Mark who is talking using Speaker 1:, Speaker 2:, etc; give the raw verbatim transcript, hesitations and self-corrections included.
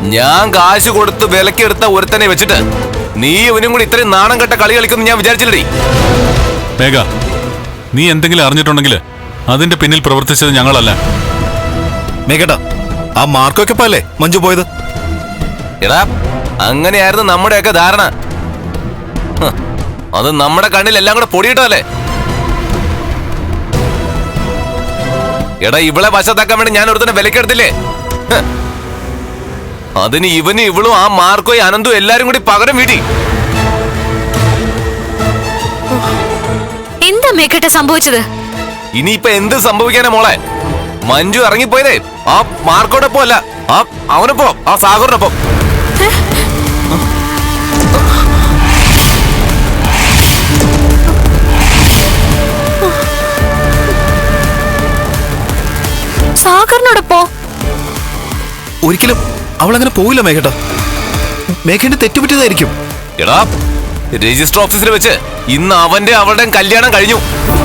Speaker 1: ഞാൻ കാശ് കൊടുത്ത് വിലക്കെടുത്ത ഒരുത്തനെ വെച്ചിട്ട് നീ ഇവനും കൂടി ഇത്രയും നാണം കെട്ട കളി കളിക്കുമെന്ന് ഞാൻ വിചാരിച്ചില്ലടി.
Speaker 2: മേഘ, നീ എന്തെങ്കിലും അറിഞ്ഞിട്ടുണ്ടെങ്കിൽ അതിന്റെ പിന്നിൽ പ്രവർത്തിച്ചത് ഞങ്ങളല്ല.
Speaker 3: മേഘട്ടാ, ആ മാർക്കൊക്കെ പോലെ മഞ്ജു പോയത്.
Speaker 1: എടാ, അങ്ങനെയായിരുന്നു നമ്മുടെയൊക്കെ ധാരണ. അത് നമ്മുടെ കണ്ണിൽ എല്ലാം കൂടെ പൊടിയിട്ടല്ലേ. എടാ, ഇവളെ വശത്താക്കാൻ വേണ്ടി ഞാൻ ഒരുത്തന്നെ വിലക്കെടുത്തില്ലേ? അതിന് ഇവനും ഇവളും ആ മാർക്കോയും അനന്തും എല്ലാരും കൂടി പകരം വീട്ടി.
Speaker 4: എന്താ മേഘട്ട സംഭവിച്ചത്?
Speaker 1: ഇനിയിപ്പൊ എന്ത് സംഭവിക്കാനാ മോളെ? മഞ്ജു ഇറങ്ങിപ്പോയതേ ആ മാർക്കോടൊപ്പം അല്ല, ആ അവനൊപ്പം, ആ സാഗറിനൊപ്പം.
Speaker 4: സാഗറിനോടൊപ്പോ?
Speaker 3: ഒരിക്കലും അവളങ്ങനെ പോയില്ല മേഘട്ടാ. മേഘന്റെ തെറ്റുപറ്റിയതായിരിക്കും.
Speaker 1: എടാ, രജിസ്റ്റർ ഓഫീസിൽ വെച്ച് ഇന്ന് അവന്റെ അവളുടെയും കല്യാണം കഴിഞ്ഞു.